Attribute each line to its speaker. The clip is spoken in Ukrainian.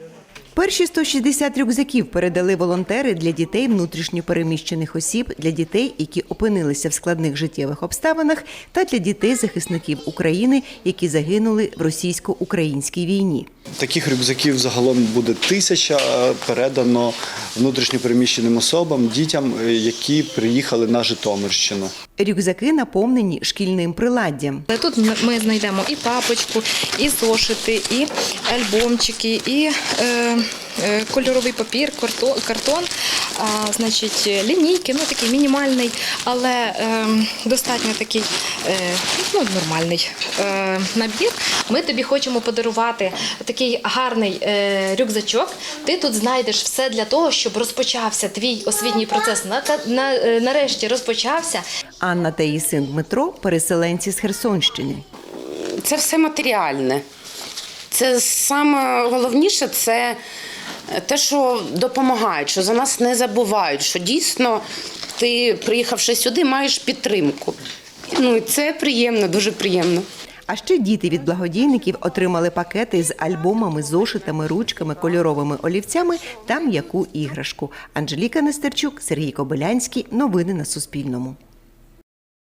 Speaker 1: Перші 160 рюкзаків передали волонтери для дітей внутрішньо переміщених осіб, для дітей, які опинилися в складних життєвих обставинах, та для дітей-захисників України, які загинули в російсько-українській війні.
Speaker 2: Таких рюкзаків загалом буде 1000, передано внутрішньо переміщеним особам, дітям, які приїхали на Житомирщину.
Speaker 1: Рюкзаки наповнені шкільним приладдям.
Speaker 3: Тут ми знайдемо і папочку, і зошити, і альбомчики, і кольоровий папір, картон, лінійки, такий мінімальний, але достатньо такий нормальний набір. Ми тобі хочемо подарувати такий гарний рюкзачок. Ти тут знайдеш все для того, щоб розпочався твій освітній процес. Нарешті розпочався.
Speaker 1: Анна та її син Дмитро – переселенці з Херсонщини.
Speaker 4: Це все матеріальне. Це саме головніше – це те, що допомагають, що за нас не забувають, що дійсно ти, приїхавши сюди, маєш підтримку. І це приємно, дуже приємно.
Speaker 1: А ще діти від благодійників отримали пакети з альбомами, зошитами, ручками, кольоровими олівцями та м'яку іграшку. Анжеліка Нестерчук, Сергій Кобилянський. Новини на Суспільному.